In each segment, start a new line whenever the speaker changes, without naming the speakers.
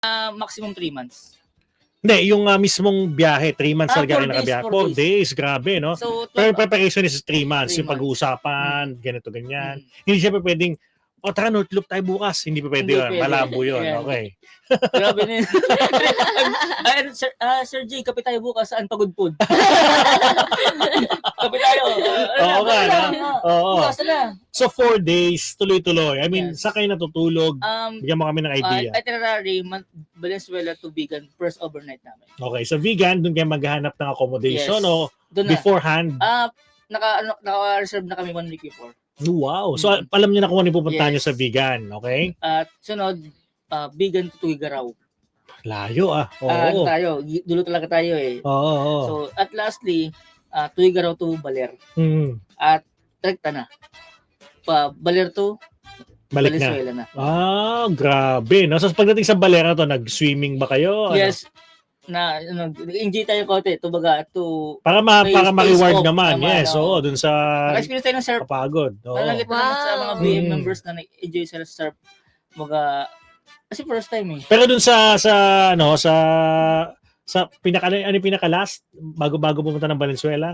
Maximum 3 months.
Hindi, yung mismong biyahe, 3 months talaga
4
kayo nakabiyahe. 4
days.
days, grabe, no?
So,
Pero preparation is 3 months.
3
Yung pag-uusapan, ganito, ganyan. Hindi siya pa pwedeng, tara, North Loop tayo bukas. Hindi pa pwede
Hindi
yun.
pwede.
Malabo yun.
Ayan.
Okay.
Grabe na yun. Sir J, kape tayo bukas. Saan pagudpod? Kape tayo.
Oo nga, no? Oo.
Bukas na.
So, 4 days, tuloy-tuloy. I mean,
Yes.
saan kayo natutulog? Bigyan mo kami ng idea.
Itinerary, Valenzuela to Bigan, first overnight namin.
Okay, so vegan, doon kayo maghahanap ng accommodation
Yes.
o
Doon na.
beforehand?
Naka-reserve na kami 1 week before.
Wow. So, alam niyo na kung ano yung pupuntahan niyo
Yes.
sa vegan, okay?
At sunod, Bigan to Tuigaraw.
Layo
Ano
Oo.
tayo, dulo talaga tayo eh.
Oo.
So, at lastly, Tuigaraw to Baler. At rekta na. Baler to
Balik na.
Valenzuela na.
Grabe. No? So, pagdating sa Balera to, nag-swimming ba kayo?
Yes. Enjoy tayo konti.
Para
space
ma-reward
off
naman.
naman,
Yes, oo. Dun sa
naka-experience tayo ng surf.
kapagod. Oo.
Malagit naman sa mga
Wow.
BM members na nag-enjoy sa surf. Kasi first time eh.
Pero dun sa ano yung pinaka-last bago pumunta ng Valenzuela?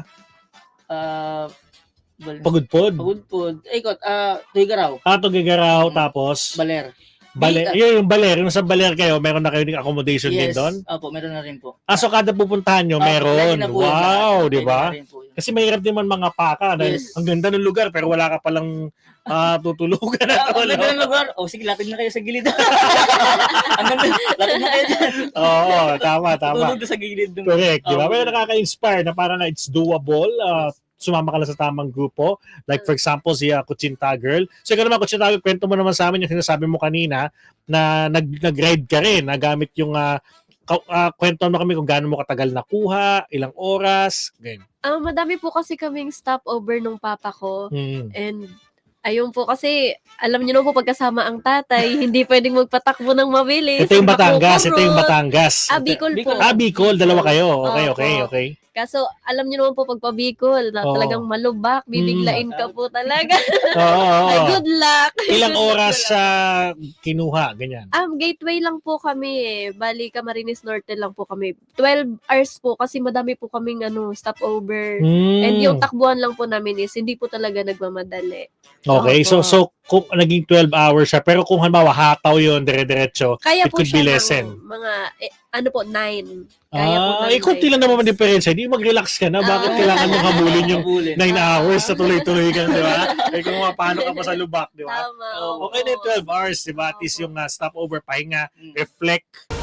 Pagudpod.
Ikot, Tuigaraw.
Tugigaraw, tapos
Baler.
yung Baler, yung sa Baler kayo, meron na kayo ng accommodation din doon?
Opo, meron na rin po.
So kada pupuntahan nyo,
Lagi
meron.
na po yun.
Wow,
Lagi
di ba?
na rin po yun.
Kasi mahirap din man mga paka. Dahil
Yes.
ang ganda ng lugar, pero wala ka palang tutulugan na
Ang ganda ng lugar. Sige, lapit na kayo sa gilid. Ang ganda, lapit na kayo dyan.
Oo, tama.
Tulog na sa gilid.
Correct, di ba? Pero nakaka-inspire na parang it's doable. Sumama ka lang sa tamang grupo. Like for example, si Kuchinta Girl. So ikaw naman, Kuchinta Girl, kwento mo naman sa amin yung sinasabi mo kanina na nag-ride ka rin, nagamit yung kwento mo kami kung gaano mo katagal nakuha, ilang oras, ganyan.
Madami po kasi kaming stopover nung papa ko.
Mm.
And ayun po kasi, alam niyo na po pagkasama ang tatay, hindi pwedeng magpatakbo ng mabilis.
Ito yung Batangas.
Bicol po.
Bicol, dalawa kayo.
Opo.
Okay.
Kaso, alam niyo naman po pag pa-Bicol, na talagang malubak, bibiglain ka po talaga.
Oo.
Good luck!
Ilang oras sa kinuha, ganyan?
Gateway lang po kami eh. Bali, Camarines Norte lang po kami. 12 hours po kasi madami po kaming stopover. And yung takbuhan lang po namin is hindi po talaga nagmamadali.
Okay, so kung naging 12 hours siya, pero kung halimbawa hataw yun, dire-diretso,
Kaya
it
po
could
siya
be lessen.
mga, 9. Kaya po
kunti lang naman ang diferensya. Hindi mag-relax ka na. Bakit kailangan mong habulin yung 9 hours na tuloy-tuloy ka, di ba? Kung paano ka pa sa lubak, di ba?
Tama.
Okay na yung 12 hours, di ba? At least yung stopover, pahinga, reflect,